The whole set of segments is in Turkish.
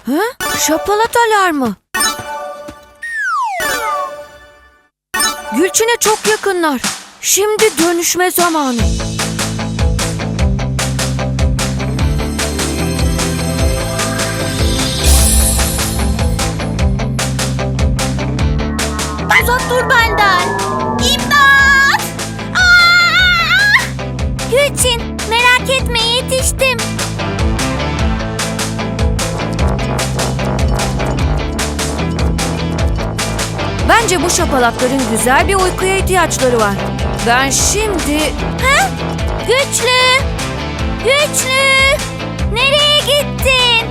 Ha? Şapalat alarmı. Gülçin'e çok yakınlar. Şimdi dönüşme zamanı. Uzak dur benden. İmdat! Aa! Gülçin, merak etme, yetiştim. Bence bu şapalatların güzel bir uykuya ihtiyaçları var. Ben şimdi... Ha? Güçlü! Güçlü! Nereye gittin?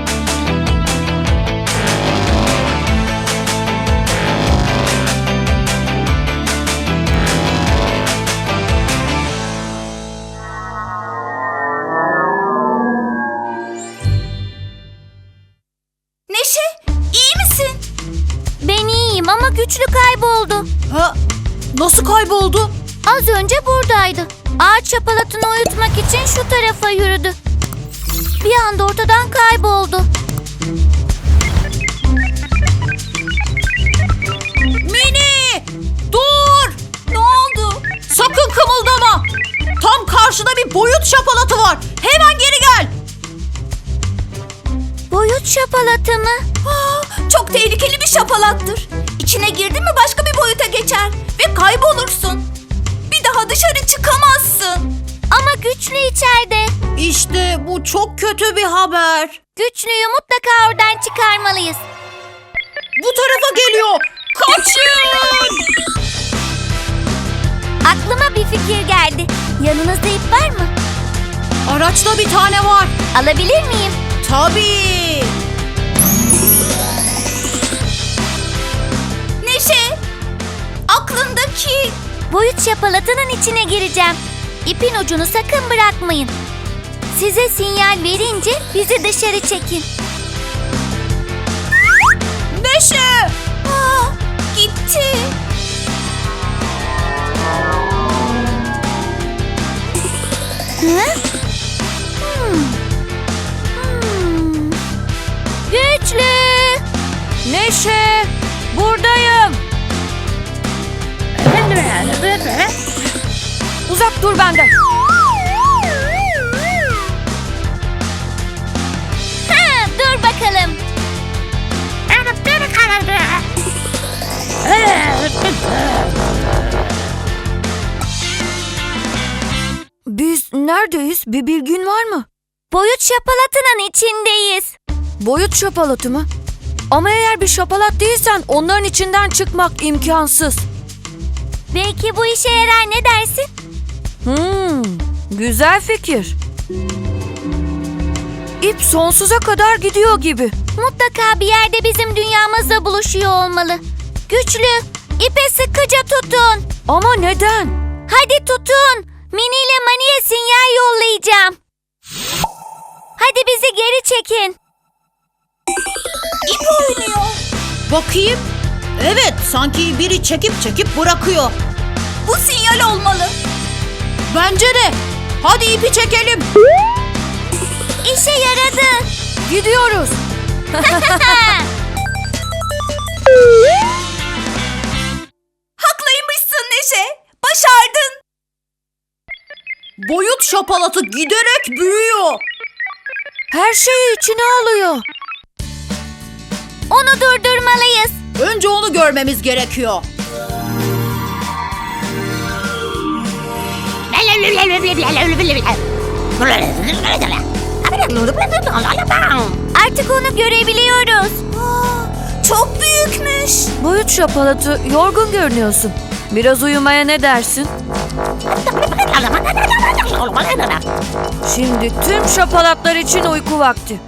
Neşe, iyi misin? Ben iyiyim ama Güçlü kayboldu. Ha? Nasıl kayboldu? Az önce buradaydı. Ağaç şapalatını uyutmak için şu tarafa yürüdü. Bir anda ortadan kayboldu. Mini! Dur! Ne oldu? Sakın kımıldama! Tam karşıda bir boyut şapalatı var. Hemen geri gel! Boyut şapalatı mı? Çok tehlikeli bir şapalattır. İçine girdin mi başka bir boyuta geçer ve kaybolursun. Bir daha dışarı çıkamazsın. Ama Güçlü içeride. İşte bu çok kötü bir haber. Güçlüyü mutlaka oradan çıkarmalıyız. Bu tarafa geliyor. Kaçın! Aklıma bir fikir geldi. Yanınızda ip var mı? Araçta bir tane var. Alabilir miyim? Tabii. Neşe, aklındaki... Boyut şapalatının içine gireceğim. İpin ucunu sakın bırakmayın. Size sinyal verince bizi dışarı çekin. Neşe! Gitti. Hı? Güçlü! Neşe, buradayım. Uzak dur benden. Ha, dur bakalım. Biz neredeyiz? Bir bilgin var mı? Boyut şapalatının içindeyiz. Boyut şapalatı mı? Ama eğer bir şapalat değilsen onların içinden çıkmak imkansız. Belki bu işe yarar, ne dersin? Güzel fikir. İp sonsuza kadar gidiyor gibi. Mutlaka bir yerde bizim dünyamızla buluşuyor olmalı. Güçlü, ipe sıkıca tutun. Ama neden? Hadi tutun. Mini ile Mani'ye sinyal yollayacağım. Hadi bizi geri çekin. İp oynuyor. Bakayım. Evet, sanki biri çekip bırakıyor. Bu sinyal olmalı. Bence de. Hadi ipi çekelim. İşe yaradı. Gidiyoruz. Haklıymışsın Neşe. Başardın. Boyut şapalatı giderek büyüyor. Her şeyi içine alıyor. Onu durdurmalıyız. Önce onu görmemiz gerekiyor. Artık onu görebiliyoruz. Çok büyükmüş. Boyut şapalatı, yorgun görünüyorsun. Biraz uyumaya ne dersin? Şimdi tüm şapalatlar için uyku vakti.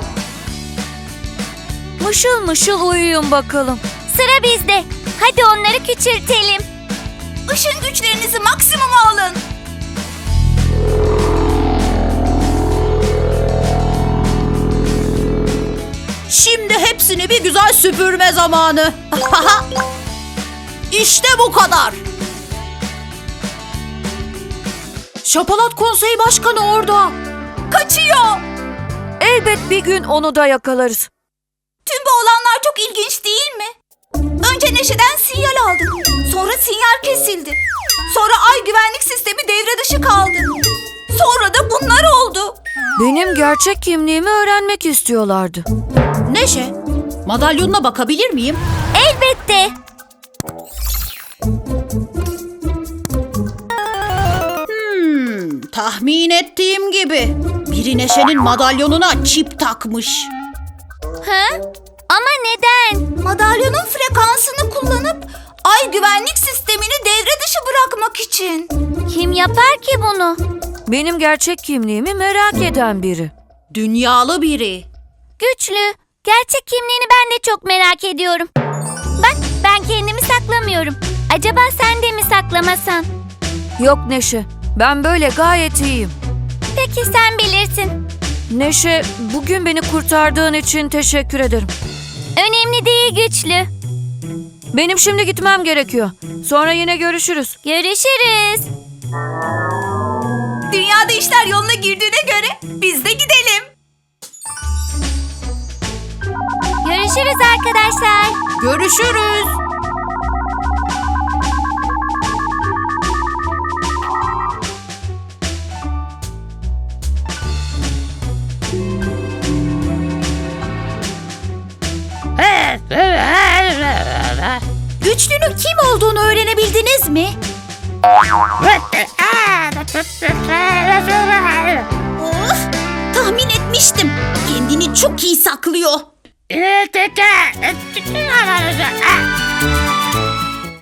Mışıl mışıl uyuyun bakalım. Sıra bizde. Hadi onları küçültelim. Işın güçlerinizi maksimuma alın. Şimdi hepsini bir güzel süpürme zamanı. İşte bu kadar. Şapalat Konseyi Başkanı orada. Kaçıyor. Elbet bir gün onu da yakalarız. Tüm bu olanlar çok ilginç değil mi? Önce Neşe'den sinyal aldık. Sonra sinyal kesildi. Sonra ay güvenlik sistemi devre dışı kaldı. Sonra da bunlar oldu. Benim gerçek kimliğimi öğrenmek istiyorlardı. Neşe, madalyonuna bakabilir miyim? Elbette. Tahmin ettiğim gibi. Biri Neşe'nin madalyonuna çip takmış. Ha? Ama neden? Madalyonun frekansını kullanıp ay güvenlik sistemini devre dışı bırakmak için. Kim yapar ki bunu? Benim gerçek kimliğimi merak eden biri. Dünyalı biri. Güçlü. Gerçek kimliğini ben de çok merak ediyorum. Bak, ben kendimi saklamıyorum. Acaba sen de mi saklamasan? Yok Neşe, ben böyle gayet iyiyim. Peki sen bilirsin. Neşe, bugün beni kurtardığın için teşekkür ederim. Önemli değil Güçlü. Benim şimdi gitmem gerekiyor. Sonra yine görüşürüz. Görüşürüz. Dünyada işler yoluna girdiğine göre biz de gidelim. Görüşürüz arkadaşlar. Görüşürüz. Güçlünün kim olduğunu öğrenebildiniz mi? Of, tahmin etmiştim. Kendini çok iyi saklıyor.